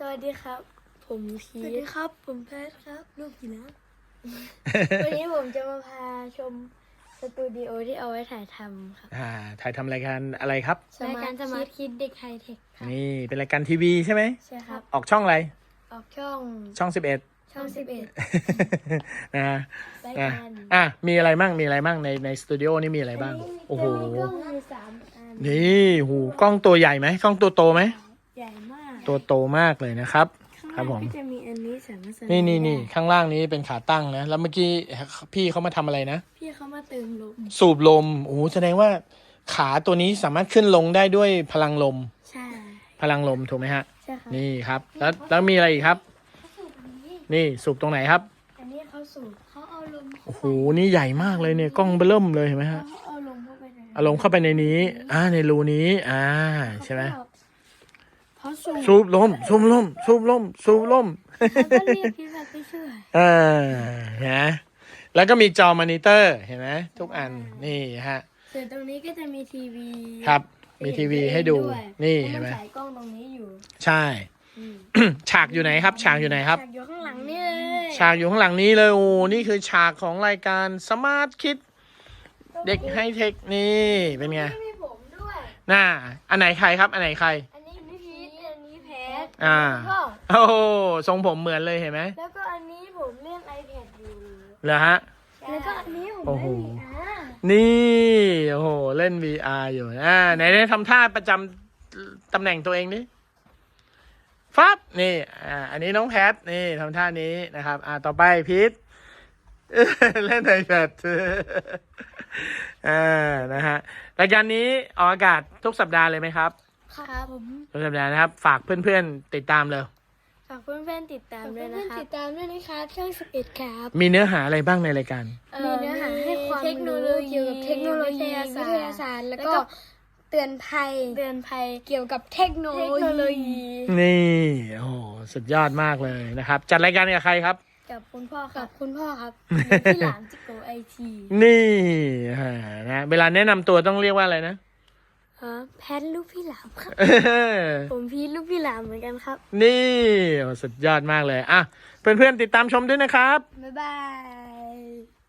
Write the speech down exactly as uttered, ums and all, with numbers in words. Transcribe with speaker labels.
Speaker 1: วัสดีครับผมพี
Speaker 2: สวัสดีครับผมแพทครับลูกหินะ
Speaker 1: วันนี้ผมจะมาพาชมสตูดิโอที่เอาไว้ถ่ายทำครับ
Speaker 3: อ่าถ่ายทำรายการอะไรครับ
Speaker 1: รายการสมาร์ทคิดเด็กไฮเทคครับ
Speaker 3: นี่เป็นรายการทีวีใช่ไหม
Speaker 1: ใช่ครับ
Speaker 3: ออกช่องอะไร
Speaker 1: ออกช่อง
Speaker 3: ช่องสิบเอ็ด
Speaker 1: ช่องสิบเอ็ด
Speaker 3: นะฮะ
Speaker 1: ราย
Speaker 3: อ่ะ
Speaker 1: การ
Speaker 3: อ่ะมีอะไรบ้างมีอะไรบ้างในในสตูดิโอนี่มีอะไรบ้างโอ้โห
Speaker 1: จะมีกล้องมีสามอัน
Speaker 3: นี่หูกล้องตัวใหญ่ไหมกล้องตัวโตไหม
Speaker 1: ใหญ่มาก
Speaker 3: ตัวโตมากเลยนะครับ
Speaker 1: ข้าง
Speaker 3: ครับ
Speaker 1: ล่าง
Speaker 3: ผม
Speaker 1: ก็จะมีอันนี้สามารถใส่
Speaker 3: นี่นี่นี่
Speaker 1: ได้
Speaker 3: ข้างล่างนี้เป็นขาตั้งนะแล้วเมื่อกี้พี่เขามาทำอะไรนะ
Speaker 1: พี่เขามาเติมลม
Speaker 3: สูบลมโอ้โหแสดงว่าขาตัวนี้สามารถขึ้นลงได้ด้วยพลังลม
Speaker 1: ใช่
Speaker 3: พลังลมถูกไหมฮะ
Speaker 1: ใช่ครับ
Speaker 3: นี่ครับ แล้วแล้วมีอะไรอีกครับ
Speaker 1: สูบอันนี้
Speaker 3: นี่สูบตรงไหนครับ
Speaker 1: อันนี้เขาสูบเขาเอาลม
Speaker 3: โอ้โห นี่ใหญ่มากเลยเนี่ย กล้องเบิ่มเลยเห็นไหมฮะ
Speaker 1: เขาเอาลมเข้าไปใน
Speaker 3: เอาลงเข้าไปในนี้ อ่า ในรูนี้ อ่า ใช่ไหม
Speaker 1: เขาสูบ
Speaker 3: สูบลม สูบลม สูบลม สูบลม
Speaker 1: เขาก็เรียกพี่แบบไปช่วย
Speaker 3: อ่าเห็นไหมแล้วก็มีจอมอนิเตอร์ เห็นไหมทุกอัน นี่ฮะ
Speaker 1: ส่วนตรงนี้ก็จะมีทีวี
Speaker 3: ครับ มีทีวีให้ดู
Speaker 1: วย
Speaker 3: นี่
Speaker 1: พราะ
Speaker 3: เห็นไหม
Speaker 1: นฉายกล้องตรงนี้อยู่
Speaker 3: ใช่ ฉากอยู่ไหนครับ ฉากอยู่ไหนครับ
Speaker 1: ฉากอยู่ข้างหลังนี่เลย
Speaker 3: ฉากอยู่ข้างหลังนี้เลย โอ้ นี่คือฉากของรายการสมาร์ทคิดเด็กไฮเทค นี่ เป็นไง
Speaker 1: ไม่มีผมด้วย
Speaker 3: น่า อันไหนใครครับ อันไหนใคร
Speaker 1: อันนี้พี่พีทอันนี้แพท
Speaker 3: อ่า
Speaker 1: แล้วก็
Speaker 3: โอ้โหทรงผมเหมือนเลยเห็นไหม
Speaker 1: แล้วก็อันนี้ผมเล่น iPad อยู่
Speaker 3: เหรอฮะ
Speaker 1: แล้วก็อันนี้ผม
Speaker 3: โอ้โห
Speaker 1: เล่น วี อาร์
Speaker 3: นี่ โอ้โห เล่น วี อาร์ อยู่ อ่า ไหนได้ทำท่าประจำตำแหน่งตัวเองดิฟับนี่ อ่า อันนี้น้องแพท นี่ทำท่านี้นะครับ อ่า ต่อไปพีท เล่นไอแพด อ่า นะฮะ รายการนี้ออกอากาศทุกสัปดาห์เลยไหมครับ
Speaker 1: ครับผม
Speaker 3: ทุกสัปดาห์นะครับ ฝากเพื่อนๆ ติดตามเลย
Speaker 1: ฝากเพื่อนๆติดตามด้วยนะครับติดตามด้วยนะคะช่องสิบเอ็ดครับ
Speaker 3: มีเนื้อหาอะไรบ้างในรายการ
Speaker 1: มีเนื้อหาให้ความเทคโนโลยีเกี่ยวกับเทคโนโลยีวิทยาศาสตร์แล้วก็เตือนภัยเตือนภัยเกี่ยวกับเทคโนโลยี
Speaker 3: นี่ โอ้โห สุดยอดมากเลยนะครับ จัดรายการกับใครครับ
Speaker 1: กับคุณพ่อกับคุณพ่อครับพี่หลานจิโกไอที
Speaker 3: นี่ฮะนะ เวลาแนะนำตัวต้องเรียกว่าอะไรนะ
Speaker 1: ฮะแพทลูกพี่หลามครับ ผมพีทลูกพี่หลามเหมือนกันครับ
Speaker 3: นี่โอ้สุดยอดมากเลย อ่ะ เพื่อนๆ ติดตามชมด้วยนะครับ
Speaker 1: บ๊ายบาย